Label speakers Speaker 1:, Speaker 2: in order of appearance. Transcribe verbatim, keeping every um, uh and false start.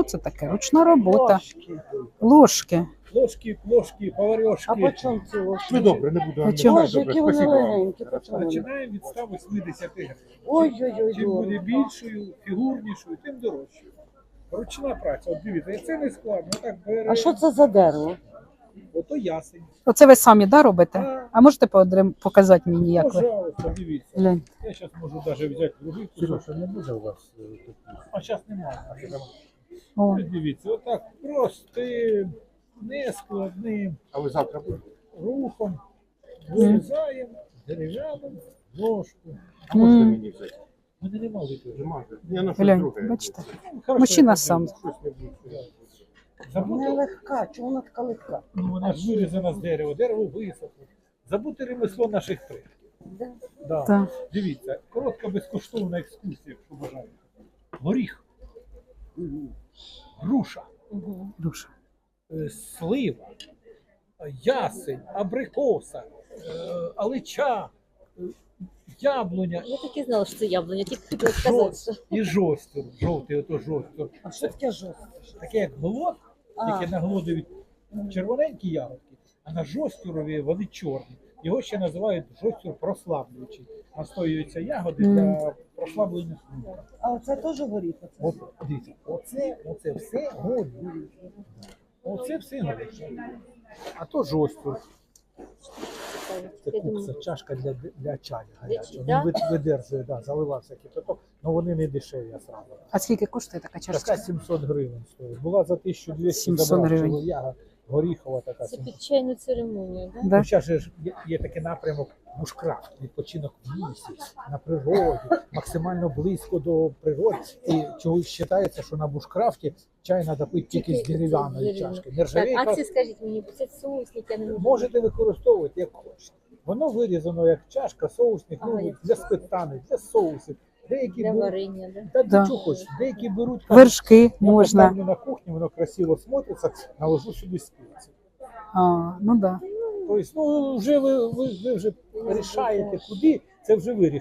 Speaker 1: Що це таке? Ручна робота.
Speaker 2: Ложки.
Speaker 1: Ложки.
Speaker 3: Ложки, плошки, поварьошки.
Speaker 2: А по чому ці ложки?
Speaker 4: Ну добре, не буду.
Speaker 1: А чому?
Speaker 2: Боже, які вони легенькі. по чому вони?
Speaker 3: Починаємо від ста вісімдесят гривень.
Speaker 2: Ой-ой-ой,
Speaker 3: Чим буде
Speaker 2: дорого.
Speaker 3: більшою, фігурнішою, тим дорожчою. Ручна праця, от дивіться, і це не складно. Так бере,
Speaker 2: А що це за дерево?
Speaker 3: ото ясень.
Speaker 1: Оце ви самі да, робите?
Speaker 3: Так.
Speaker 1: А можете подрим- показати мені, як ви?
Speaker 3: Пожалуйста, дивіться.
Speaker 1: Глянь.
Speaker 3: Я зараз можу навіть взяти другий кусок.
Speaker 4: Сережа, не буде у вас е, тут?
Speaker 3: А зараз немає.
Speaker 1: О,
Speaker 3: Ось дивіться, отак простим, нескладним
Speaker 4: А ви завтра будете?
Speaker 3: рухом вирізаємо дерев'яним ложку.
Speaker 4: А можете
Speaker 1: М.
Speaker 4: мені взяти?
Speaker 3: Мене нема випадку.
Speaker 4: Нема. Я на щось
Speaker 1: глянь,
Speaker 4: друге.
Speaker 1: бачите?
Speaker 3: Хорошо,
Speaker 1: Мужчина
Speaker 3: я
Speaker 1: сам.
Speaker 4: Щось не буде.
Speaker 2: Вона
Speaker 3: Забути,
Speaker 2: легка, чому вона така легка?
Speaker 3: ну, вона ж вирізана з дерева, дерево висохло. Забути ремесло наших предків.
Speaker 2: Да.
Speaker 3: Да.
Speaker 1: Так.
Speaker 3: Дивіться, коротка безкоштовна екскурсія, якщо бажаєте. Горіх, груша,
Speaker 2: Мгм.
Speaker 1: Душа.
Speaker 3: е, слива, е, ясень, абрикоса, е, алича, е, яблуня
Speaker 5: Я так і знала, що це яблуня, тільки хотіла сказати, що
Speaker 3: і жостер, жовтий ото жостер.
Speaker 2: А що таке жорстке?
Speaker 3: Таке як глод,
Speaker 2: А.
Speaker 3: тільки на глодові червоненькі ягодки, а на жостюрові вони чорні. Його ще називають жостюр прослаблюючий. Настоюються ягоди
Speaker 1: Мгм.
Speaker 3: для прослаблення шлунка.
Speaker 2: А оце теж горіх? Оце?
Speaker 3: От, дивіться, оце, оце все горіх. Оце все горіх. А то жостюр. Це
Speaker 5: я думаю,
Speaker 3: кукса, чашка для, для чаю гарячого.
Speaker 5: да?
Speaker 3: Він вид- видержує, да, заливався кипяток, але вони не дешеві, я сразу.
Speaker 1: А скільки коштує така
Speaker 3: Така
Speaker 1: чашка?
Speaker 3: сімсот гривень стоїть. Була за тисячу двісті
Speaker 1: сімсот
Speaker 3: забрав
Speaker 1: гривень.
Speaker 3: чолов'яга, горіхова така.
Speaker 5: це
Speaker 3: сімсот.
Speaker 5: під чайну церемонію, да?
Speaker 1: Да?
Speaker 3: Ну, зараз же ж є, є такий напрямок бушкрафт, відпочинок в лісі, на природі, максимально близько до природи. І чогось вважається, що на бушкрафті чай треба пити тільки з дерев'яної чашки.
Speaker 5: Так,
Speaker 3: Нержавійка
Speaker 5: а це скажіть мені, це соусник, я не можу.
Speaker 3: можете використовувати як хочете. Воно вирізано як чашка, соусник,
Speaker 5: Ага,
Speaker 3: ну,
Speaker 5: як
Speaker 3: для сметани, для соусів. Деякі
Speaker 5: Для
Speaker 3: беруть,
Speaker 5: варення, да?
Speaker 3: та
Speaker 1: Да.
Speaker 3: да. чого хочеш, деякі беруть
Speaker 1: Вершки
Speaker 3: я
Speaker 1: можна.
Speaker 3: поставлю на кухні, воно красиво смотриться, наложу сюди спеції.
Speaker 1: А, ну да.
Speaker 3: Тобто, ну, вже ви, ви, ви вже рішаєте куди, це вже ви